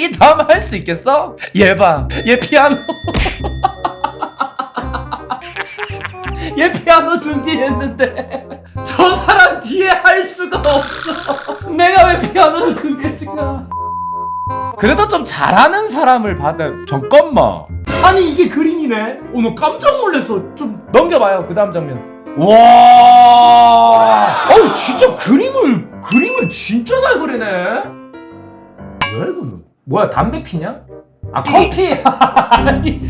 이 다음 할 수 있겠어? 얘 봐. 얘 피아노. 얘 피아노 준비했는데 저 사람 뒤에 할 수가 없어. 내가 왜 피아노를 준비했을까? 그래도 좀 잘하는 사람을 받은. 잠깐만. 아니 이게 그림이네. 오늘 깜짝 놀랐어. 좀 넘겨봐요. 그 다음 장면. 와. 어우 진짜 그림을 진짜 잘 그리네. 뭐야 이거는? 뭐야 담배 피냐? 아 커피. 아니.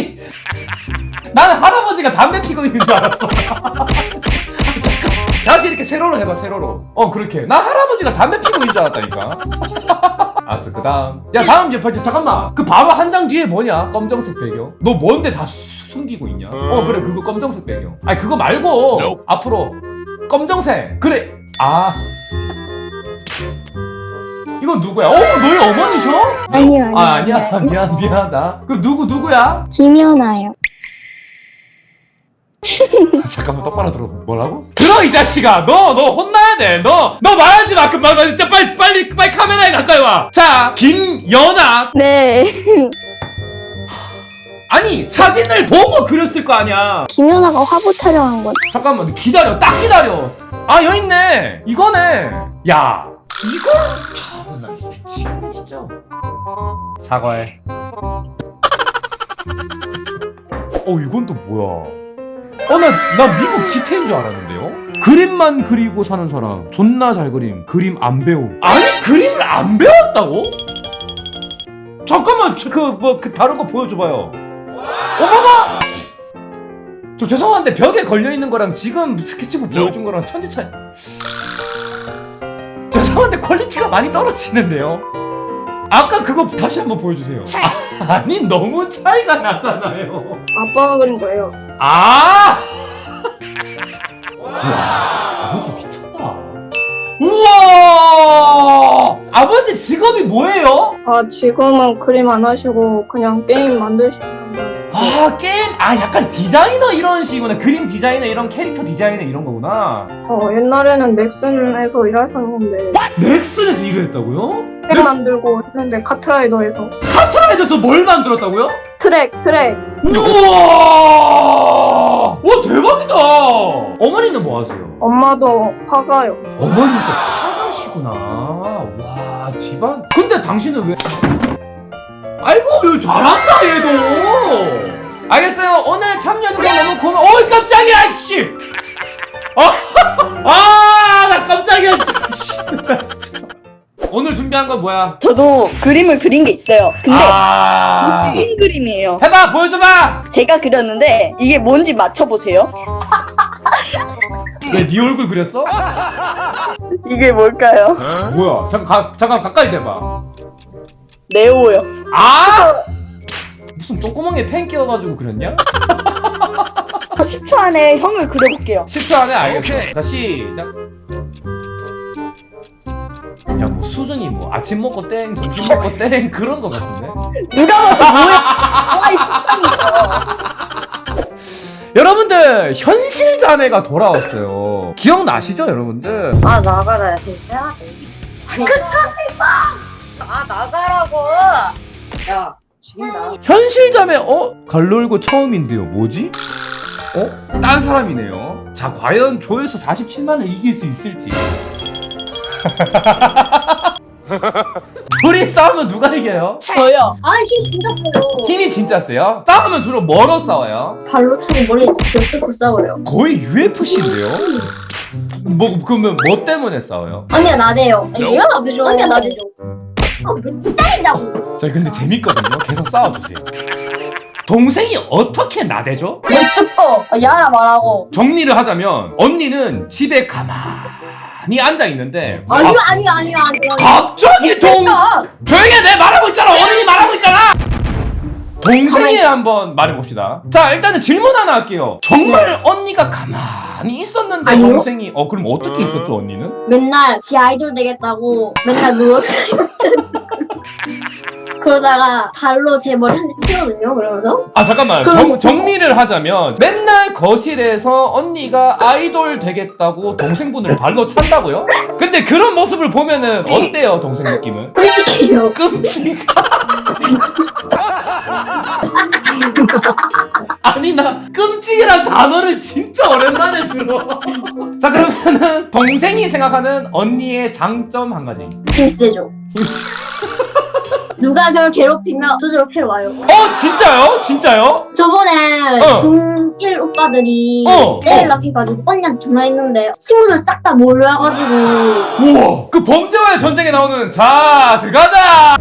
나는 할아버지가 담배 피고 있는 줄 알았어. 다시 이렇게 세로로 해봐. 세로로. 그렇게. 나 할아버지가 담배 피고 있는 줄 알았다니까. 알았어. 그 다음. 야 다음 잠깐만. 그 바로 한 장 뒤에 뭐냐? 검정색 배경. 너 뭔데 다 숨기고 있냐? 그래 그거 검정색 배경. 아니 그거 말고 앞으로 검정색. 그래. 아 이건 누구야? 너희 어머니셔? 아니요. 아니야. 미안하다. 그럼 누구야? 김연아요. 잠깐만 똑바로 들어. 뭐라고? 들어 이 자식아. 너 혼나야 돼. 너 말하지 마. 그만 진짜 빨리 카메라에 가까이 와. 자 김연아. 네. 아니 사진을 보고 그렸을 거 아니야. 김연아가 화보 촬영한 거. 잠깐만 기다려. 딱 기다려. 아 여기 있네. 이거네. 야 이거 참나 미치겠네 진짜. 사과해. 이건 또 뭐야? 나 미국 지태인 줄 알았는데요? 그림만 그리고 사는 사람 존나 잘 그림 안 배움. 아니 그림을 안 배웠다고? 잠깐만 그 다른 거 보여줘봐요. 어머머! 저 죄송한데 벽에 걸려있는 거랑 지금 스케치북 보여준 거랑 천지 차이. 죄송한데 퀄리티가 많이 떨어지는데요? 아까 그거 다시 한번 보여주세요. 아니 너무 차이가 나잖아요. 아빠가 그린 거예요. 와 아버지 미쳤다. 우와 아버지 직업이 뭐예요? 지금은 그림 안 하시고 그냥 게임 만드시는 게임 약간 디자이너 이런 식이구나. 그림 디자이너 이런 캐릭터 디자이너 이런 거구나. 옛날에는 넥슨에서 일하셨는데 넥슨에서 일을 했다고요? 책 만들고 했는데 카트라이더에서 카트라이더에서 뭘 만들었다고요? 트랙 우와 와 대박이다. 어머니는 뭐 하세요? 엄마도 화가요. 어머니도 화가시구나. 와 집안. 근데 당신은 왜? 아이고 얘 잘한다 얘도. 알겠어요. 오늘 참여해줘서 너무 고마워. 어이 깜짝이야 씨. 나 깜짝이야 진짜. 오늘 준비한 건 뭐야? 저도 그림을 그린 게 있어요. 근데 아 무슨 그림이에요? 해봐 보여줘봐. 제가 그렸는데 이게 뭔지 맞춰보세요. 왜 네 얼굴 그렸어? 이게 뭘까요? 뭐야? 잠깐 가까이 대봐. 네오요. 무슨 똥구멍에 펜 끼워가지고 그렸냐? 10초 안에 형을 그려볼게요. 10초 안에 알겠어. 자 시작. 야 뭐 수준이 뭐 아침 먹고 땡 점심 먹고 땡 그런 거 같은데. 누가 봐도 뭐야? 이 여러분들 현실 자매가 돌아왔어요. 기억나시죠 여러분들? 나가라 진짜. 나가라고. 야 죽인다. 현실 자매 갈놀고 처음인데요. 뭐지? 딴 사람이네요. 자 과연 조회수 47만을 이길 수 있을지. 둘이 싸우면 누가 이겨요? 저요. 힘 진짜 세요. 힘이 진짜 세요? 싸우면 둘은 뭐로 싸워요? 발로 차고 머리 쥐어뜯고 싸워요. 거의 UFC인데요? 그러면 뭐 때문에 싸워요? 언니가 나대요. 얘가 나대죠. 언니가 나대죠. 왜 때린다고? 저 근데 재밌거든요. 계속 싸워주세요. 동생이 어떻게 나대죠? 왜 뜯고 야라 말하고. 정리를 하자면 언니는 집에 가만히 앉아있는데 아니요. 갑자기 조용히 해. 내 말하고 있잖아. 어른이 말하고 있잖아. 동생이 한번 말해봅시다. 자 일단은 질문 하나 할게요. 정말 언니가 가만히 있었는데 아니요. 동생이 그럼 어떻게 있었죠 언니는? 맨날 지 아이돌 되겠다고 맨날 누웠어요. 그러다가 발로 제 머리 한 대 치거든요. 그러면서 아 잠깐만 정리를 하자면 맨날 거실에서 언니가 아이돌 되겠다고 동생분을 발로 찬다고요? 근데 그런 모습을 보면은 어때요 동생 느낌은? 끔찍해요. 끔찍. 아니 나 끔찍이란 단어를 진짜 오랜만에 들어. 자 그러면은 동생이 생각하는 언니의 장점 한 가지. 힘세죠. 누가 저를 괴롭히면 두드러 패러 와요. 진짜요? 진짜요? 저번에 어. 중1 오빠들이 어. 때리려고 해가지고 언니한테 전화했는데 친구들 싹 다 몰려와가지고 우와 그 범죄와의 전쟁에 나오는 자 들어가자.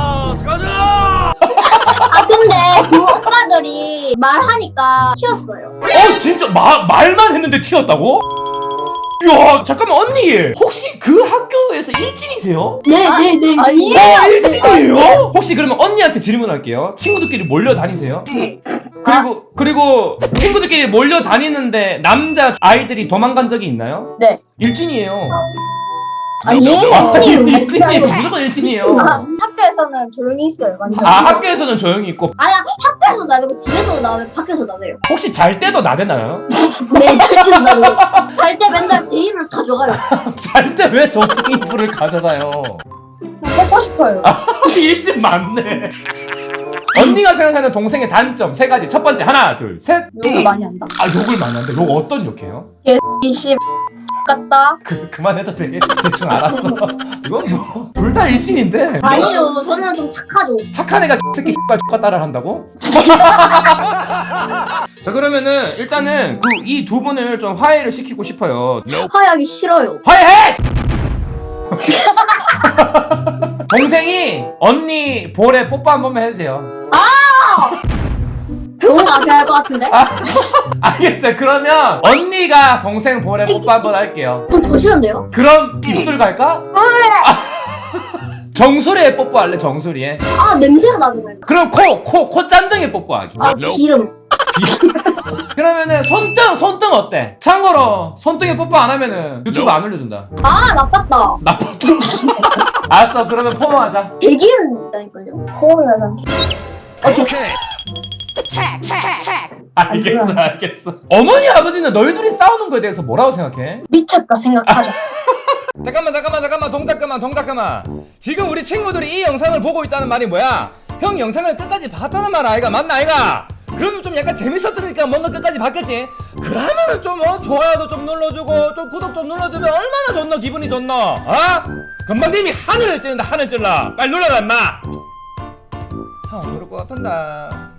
아 근데 그 오빠들이 말하니까 튀었어요. 진짜 말만 했는데 튀었다고? 이야 잠깐만 언니 혹시 그 학교에서 일진이세요? 네네네. 아니에요. 일진이에요? 혹시 그러면 언니한테 질문할게요. 친구들끼리 몰려 다니세요? 그리고 친구들끼리 몰려 다니는데 남자 아이들이 도망간 적이 있나요? 네. 일진이에요. 아니에요. 일진이에요. 무조건 일진이에요. 학교에서는 조용히 있어요. 완전. 학교에서는 조용히 있고 아니야 학교에서 나대고 집에서 나대고 밖에서 나대요. 혹시 잘 때도 나대나요? 네 절대로 나대요. 잘 때 맨날 제 입을 가져가요. 잘 때 왜 동생이 불을 가져가요? 먹고 싶어요. 일진 맞네. 언니가 생각하는 동생의 단점 세 가지. 첫 번째 하나 둘 셋. 욕을 많이 한다. 욕을 많이 하는데 욕 어떤 욕해요? 이씨 같다. 그만해도 돼. 대충 알았어. 이건 뭐 둘 다 일진인데. 아니요 저는 좀 착하죠. 착한 애가 새끼 씨발 X가 따라 한다고? 자 그러면은 일단은 이 두 분을 좀 화해를 시키고 싶어요. 화해하기 싫어요. 화해해! 동생이 언니 볼에 뽀뽀 한 번만 해주세요. 병원 가셔야 할 것 같은데? 알겠어요. 그러면 언니가 동생 볼에 뽀뽀 한 번 할게요. 그건 더 싫은데요? 그럼 입술 갈까? 정수리에 뽀뽀할래? 정수리에. 아 냄새가 나잖아요. 그럼 코 짠등에 뽀뽀하기. 아 기름. 그러면은 손등 어때? 참고로 손등에 뽀뽀 안 하면은 유튜브 안 올려준다. 아 나빴다. 나빴다. 알았어. 그러면 포옹하자. 개기름 있다니까요. 호응하자. 알겠어. 어머니 아버지는 너희 둘이 싸우는 거에 대해서 뭐라고 생각해? 미쳤다 생각하자. 잠깐만 동작 그만. 지금 우리 친구들이 이 영상을 보고 있다는 말이 뭐야? 형 영상을 끝까지 봤다는 말 아이가? 맞나 아이가? 그러면 좀 약간 재밌었으니까 뭔가 끝까지 봤겠지? 그러면은 좀 좋아요도 좀 눌러주고 좀 구독 좀 눌러주면 얼마나 좋노? 기분이 좋노? 금방 님이 하늘을 찌른다. 빨리 눌러라 임마. 형 그럴 것 같은데.